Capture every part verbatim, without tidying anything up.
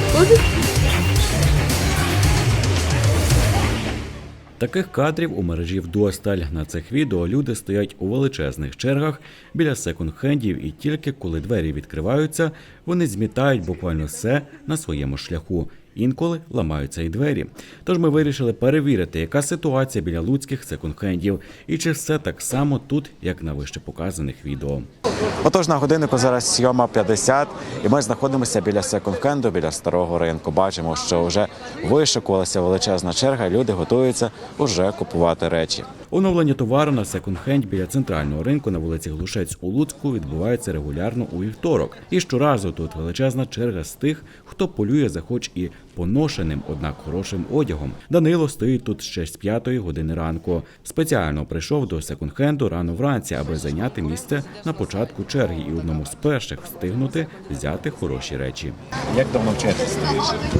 Таких кадрів у мережі вдосталь. На цих відео люди стоять у величезних чергах біля секонд-хендів, і тільки коли двері відкриваються, вони змітають буквально все на своєму шляху. Інколи ламаються й двері. Тож ми вирішили перевірити, яка ситуація біля луцьких секонд-хендів і чи все так само тут, як на вище показаних відео. Отож, на годиннику зараз сьома п'ятдесят, і ми знаходимося біля секонд-хенду, біля старого ринку. Бачимо, що вже вишикувалася величезна черга, люди готуються уже купувати речі. Оновлення товару на секонд-хенд біля центрального ринку на вулиці Глушець у Луцьку відбувається регулярно у вівторок. І щоразу тут величезна черга з тих, хто полює за хоч і поношеним, однак хорошим одягом. Данило стоїть тут ще з п'ятої години ранку. Спеціально прийшов до секонд-хенду рано вранці, аби зайняти місце на початку черги і одному з перших встигнути взяти хороші речі. Як давно в черзі стоїш?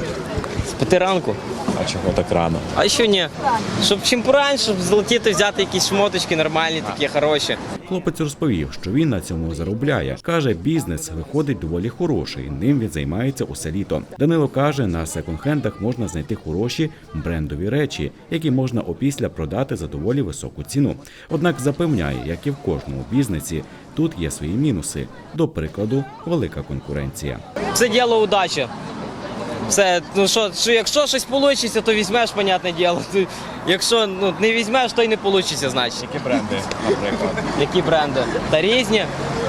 З п'яти ранку. А чого так рано? А що ні? Щоб чим пораньше, щоб злетіти, взяти якісь шмоточки нормальні, такі хороші. Хлопець розповів, що він на цьому заробляє. Каже, бізнес виходить доволі хороший, ним він займається усе літо. Данило каже, на секонд-хендах можна знайти хороші брендові речі, які можна опісля продати за доволі високу ціну. Однак запевняє, як і в кожному бізнесі, тут є свої мінуси. До прикладу, велика конкуренція. Це діло удачі. Все, ну що, що якщо щось вийде, то візьмеш, понятне діло. Якщо ну, не візьмеш, то й не вийде, значить. Які бренди, наприклад? Які бренди? Та різні.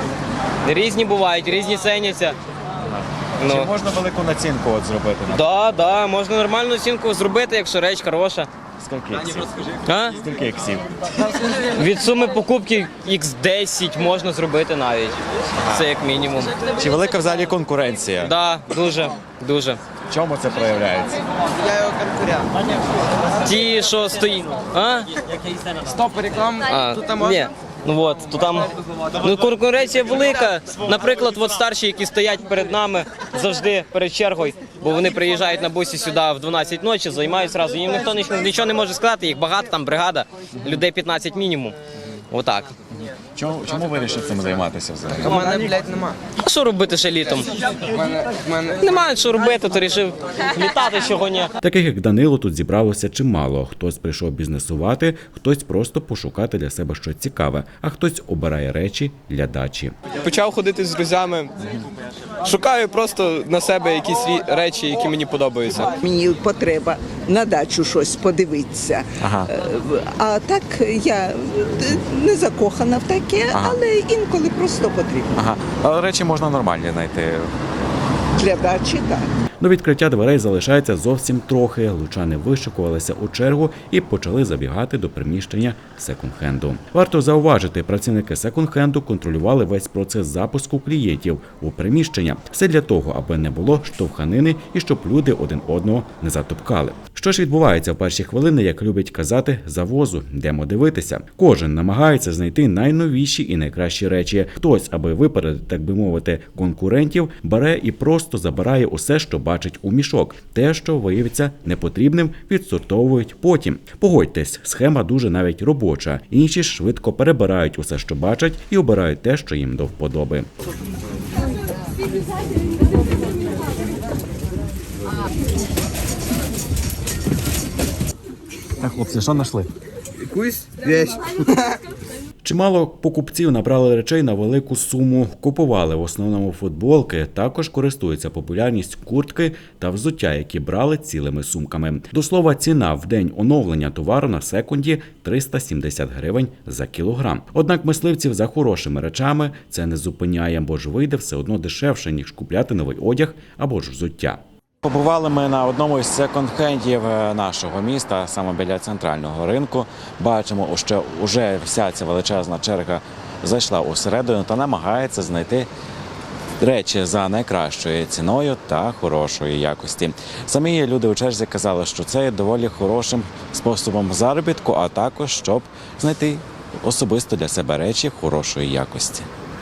Різні бувають, різні ціняться. Чи Ну. можна велику націнку от зробити? Так, да, да, можна нормальну оцінку зробити, якщо реч хороша. Скільки іксів? А? Скільки іксів? Від суми покупки ікс десять можна зробити навіть. Це як мінімум. Чи велика взагалі конкуренція? Так, да, дуже, дуже. В чому це проявляється? Ті, що стоїть. А? Стоп, реклама. А, Тут там можна? ні. Ну от, то там ну, конкуренція велика. Наприклад, от старші, які стоять перед нами завжди перед чергою, бо вони приїжджають на бусі сюди в дванадцять ночі, займають зразу. Їм ніхто нічого не може сказати, їх багато, там бригада, людей п'ятнадцять мінімум. Отак. Чому, чому вирішив цим займатися взагалі? У мене, блядь, нема. А що робити ще літом? У мене, в мене... Немає що робити, то вирішив літати чого ні. Таких, як Данило, тут зібралося чимало. Хтось прийшов бізнесувати, хтось просто пошукати для себе щось цікаве, а хтось обирає речі для дачі. Почав ходити з друзями, шукаю просто на себе якісь рі- речі, які мені подобаються. Мені потреба на дачу щось подивитися. Ага. Е, А так я е, не закохана в таке, Ага. але інколи просто потрібно. Ага. Але речі можна нормальні знайти. Для дачі так. До відкриття дверей залишається зовсім трохи. Лучани вишикувалися у чергу і почали забігати до приміщення секонд-хенду. Варто зауважити, працівники секонд-хенду контролювали весь процес запуску клієнтів у приміщення. Все для того, аби не було штовханини і щоб люди один одного не затопкали. Що ж відбувається в перші хвилини, як любить казати, завозу? Йдемо дивитися. Кожен намагається знайти найновіші і найкращі речі. Хтось, аби випередити, так би мовити, конкурентів, бере і просто забирає усе, що бачить у мішок. Те, що виявиться непотрібним, відсортовують потім. Погодьтесь, схема дуже навіть робоча. Інші ж швидко перебирають усе, що бачать, і обирають те, що їм до вподоби. Так, хлопці, що знайшли? Якусь вещь. Чимало покупців набрали речей на велику суму, купували в основному футболки, також користуються популярністю куртки та взуття, які брали цілими сумками. До слова, ціна в день оновлення товару на секунді – триста сімдесят гривень за кілограм. Однак мисливців за хорошими речами це не зупиняє, бо ж вийде все одно дешевше, ніж купляти новий одяг або ж взуття. Побували ми на одному із секонд-хендів нашого міста, саме біля центрального ринку. Бачимо, що вже вся ця величезна черга зайшла усередину та намагається знайти речі за найкращою ціною та хорошої якості. Самі люди у черзі казали, що це є доволі хорошим способом заробітку, а також щоб знайти особисто для себе речі хорошої якості.